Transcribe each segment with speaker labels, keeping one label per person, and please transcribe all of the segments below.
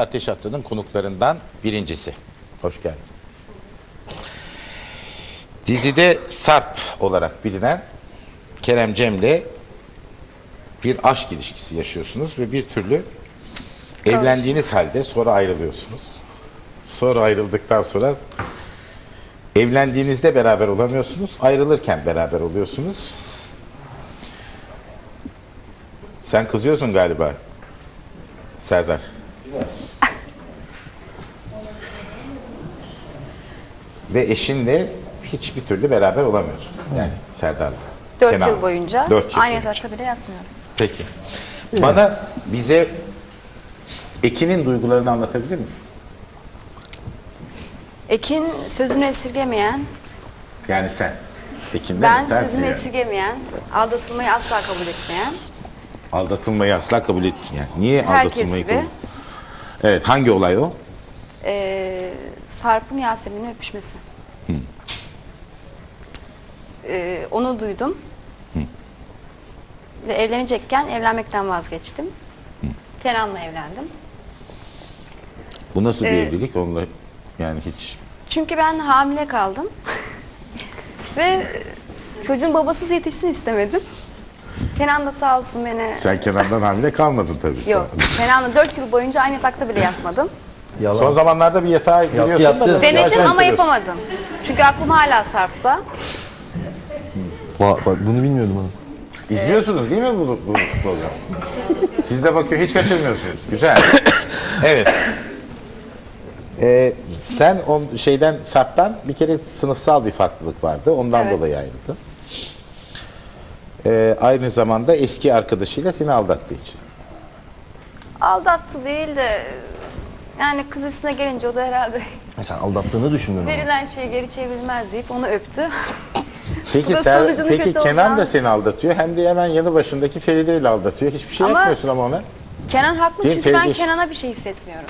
Speaker 1: Ateş Hattı'nın konuklarından birincisi. Hoş geldin. Dizide Sarp olarak bilinen Kerem Cem'le bir aşk ilişkisi yaşıyorsunuz ve bir türlü evlendiğiniz halde sonra ayrılıyorsunuz. Sonra ayrıldıktan sonra evlendiğinizde beraber olamıyorsunuz, ayrılırken beraber oluyorsunuz. Sen kızıyorsun galiba Serdar. Ve eşinle hiçbir türlü beraber olamıyorsun. Yani Serdar'la.
Speaker 2: 4
Speaker 1: Kenan.
Speaker 2: yıl boyunca
Speaker 1: 4 yıl
Speaker 2: aynı
Speaker 1: boyunca.
Speaker 2: yatakta bile yatmıyoruz.
Speaker 1: Peki. Bize Ekin'in duygularını anlatabilir misin?
Speaker 2: Ekin sözünü esirgemeyen,
Speaker 1: Yani sen. Ekin'den
Speaker 2: ben
Speaker 1: sensin
Speaker 2: sözümü
Speaker 1: yani.
Speaker 2: esirgemeyen, aldatılmayı asla kabul etmeyen,
Speaker 1: Aldatılmayı asla kabul etmeyen. Niye
Speaker 2: herkes
Speaker 1: aldatılmayı
Speaker 2: gibi
Speaker 1: kabul? Evet, hangi olay o?
Speaker 2: Sarp'ın Yasemin'le öpüşmesi. Onu duydum. Ve evlenecekken evlenmekten vazgeçtim. Kenan'la evlendim.
Speaker 1: Bu nasıl bir evlilik? Onunla yani hiç...
Speaker 2: Çünkü ben hamile kaldım. Ve çocuğun babasız yetişsin istemedim. Kenan da sağ olsun beni...
Speaker 1: Sen Kenan'dan hamile kalmadın tabii.
Speaker 2: Yok. Kenan'la 4 yıl boyunca aynı yatakta bile yatmadım.
Speaker 3: Yalan.
Speaker 1: Son zamanlarda bir yatağa giriyorsun
Speaker 3: yaptı.
Speaker 1: da...
Speaker 2: Denedim
Speaker 1: acayip
Speaker 2: ama
Speaker 1: duruyorsun.
Speaker 2: yapamadım. Çünkü aklım hala Sarp'ta.
Speaker 3: Bak, bunu bilmiyordum ha.
Speaker 1: İzliyorsunuz değil mi bu programı? Siz de bakıyor, hiç kaçırmıyorsunuz. Güzel. Evet. Sen şeyden, Sarp'tan bir kere sınıfsal bir farklılık vardı. Ondan
Speaker 2: Evet.
Speaker 1: dolayı ayrıldın. Aynı zamanda eski arkadaşıyla seni aldattığı için.
Speaker 2: Aldattı değil de... Yani kız üstüne gelince o da herhalde
Speaker 3: Sen aldattığını düşündün ama.
Speaker 2: verilen şeyi geri çevrilmez deyip onu öptü.
Speaker 1: Peki,
Speaker 2: Bu da sonucunun
Speaker 1: peki
Speaker 2: kötü
Speaker 1: Kenan
Speaker 2: olacağını-
Speaker 1: da seni aldatıyor. Hem de hemen yanı başındaki Feride ile aldatıyor. Hiçbir şey
Speaker 2: Ama-
Speaker 1: yapmıyorsun ama ona.
Speaker 2: Kenan haklı
Speaker 1: Değil mi?
Speaker 2: çünkü ben
Speaker 1: Feride-
Speaker 2: Kenan'a bir şey hissetmiyorum.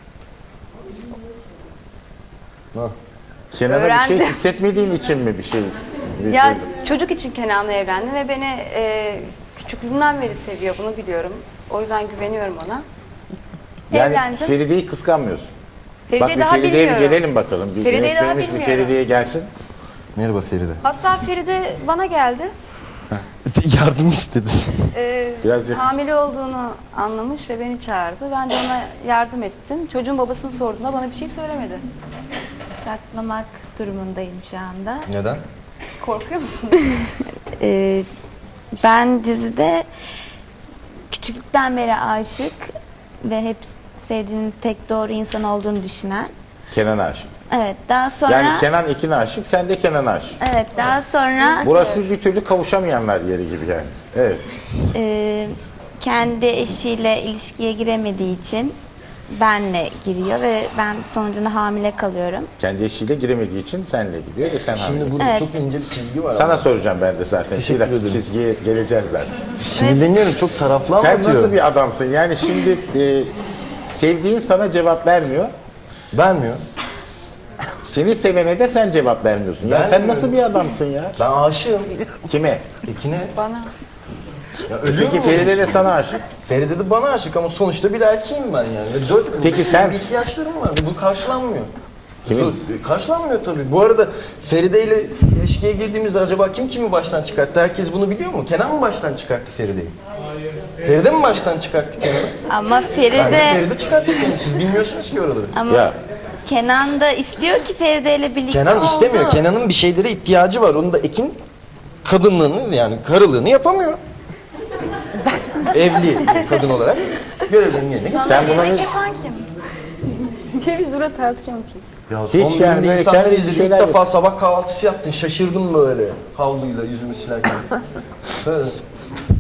Speaker 1: Kenan'a bir şey
Speaker 2: Öğrendim.
Speaker 1: hissetmediğin için mi bir şey?
Speaker 2: Ya çocuk için Kenan'la evlendim ve beni küçüklüğümden beri seviyor, bunu biliyorum. O yüzden güveniyorum ona.
Speaker 1: Yani
Speaker 2: Evlendim.
Speaker 1: Feride'yi kıskanmıyorsun.
Speaker 2: Feride'yi
Speaker 1: Bak
Speaker 2: daha
Speaker 1: bir Feride'ye bir
Speaker 2: bilmiyorum.
Speaker 1: gelelim bakalım. Bir
Speaker 2: Feride'yi daha
Speaker 1: yönetmenimiz bir
Speaker 2: bilmiyorum.
Speaker 1: Feride'ye gelsin.
Speaker 3: Merhaba Feride.
Speaker 2: Hatta Feride bana geldi.
Speaker 3: Yardım istedi.
Speaker 1: Biraz yakın.
Speaker 2: Hamile olduğunu anlamış ve beni çağırdı. Ben de ona yardım ettim. Çocuğun babasını sorduğunda bana bir şey söylemedi.
Speaker 4: Saklamak durumundayım şu anda.
Speaker 3: Neden?
Speaker 2: Korkuyor musun?
Speaker 4: Ben dizide küçüklükten beri aşık ve hep sevdiğinin tek doğru insan olduğunu düşünen.
Speaker 1: Kenan'a aşık.
Speaker 4: Evet, daha sonra
Speaker 1: Yani Kenan Ekin'e aşık, sen de Kenan'a aşık.
Speaker 4: evet, daha sonra
Speaker 1: Burası bir türlü kavuşamayanlar yeri gibi yani. Evet.
Speaker 4: kendi eşiyle ilişkiye giremediği için benle giriyor ve ben sonucunda hamile kalıyorum.
Speaker 1: Kendi eşiyle giremediği için senle gidiyor ve sen hamile.
Speaker 3: Şimdi burada
Speaker 4: Evet.
Speaker 3: çok ince bir çizgi var
Speaker 1: Sana
Speaker 3: ama.
Speaker 1: soracağım ben de zaten.
Speaker 3: Teşekkür
Speaker 1: Bir dakika,
Speaker 3: ederim.
Speaker 1: çizgiye geleceğiz zaten.
Speaker 3: Sinirleniyorum, çok taraflı
Speaker 1: Sen
Speaker 3: anlatıyor.
Speaker 1: nasıl bir adamsın? Yani şimdi sevdiğin sana cevap vermiyor.
Speaker 3: Vermiyor.
Speaker 1: Seni sevene de sen cevap vermiyorsun. Ya sen
Speaker 3: Vermiyorum.
Speaker 1: nasıl bir adamsın ya?
Speaker 3: Ben aşığım.
Speaker 1: Kime?
Speaker 3: Ekine.
Speaker 2: Bana.
Speaker 3: Ya ölüyor
Speaker 1: Peki
Speaker 3: mu?
Speaker 1: Feride de sana aşık.
Speaker 3: Feride de bana aşık ama sonuçta bir erkeğim ben yani. Ve 4 yıl
Speaker 1: Peki sen-
Speaker 3: bir ihtiyaçlarım var. Bu karşılanmıyor.
Speaker 1: Kimin?
Speaker 3: Karşılanmıyor tabii. Bu arada Feride ile ilişkiye girdiğimizde acaba kim kimi baştan çıkarttı? Herkes bunu biliyor mu? Kenan mı baştan çıkarttı Feride'yi? Feride mi baştan çıkarttı Kenan'ı?
Speaker 4: Ama
Speaker 3: Bence
Speaker 4: Feride
Speaker 3: Feride çıkarttı Kenan'ı. Siz bilmiyorsunuz ki oraları.
Speaker 4: ama
Speaker 1: Ya.
Speaker 4: Kenan da istiyor ki Feride ile birlikte
Speaker 3: Kenan
Speaker 4: oldu.
Speaker 3: istemiyor. Kenan'ın bir şeylere ihtiyacı var. Onun da Ekin kadınlığını yani karılığını yapamıyor. Evli kadın olarak görevlerini yerine getiriyor.
Speaker 1: Sen buna
Speaker 2: Yemek
Speaker 1: ne...
Speaker 2: yapan kim? diye biz burada tartışıyormuşuz.
Speaker 3: Ya
Speaker 1: Hiç
Speaker 3: son
Speaker 1: yani
Speaker 3: bölümde
Speaker 1: böyle
Speaker 3: insanları
Speaker 1: kendi
Speaker 3: izledim.
Speaker 1: şeyler
Speaker 3: İlk defa
Speaker 1: yok.
Speaker 3: sabah kahvaltısı yaptın. Şaşırdım böyle. Havluyla yüzümü silerken. Böyle.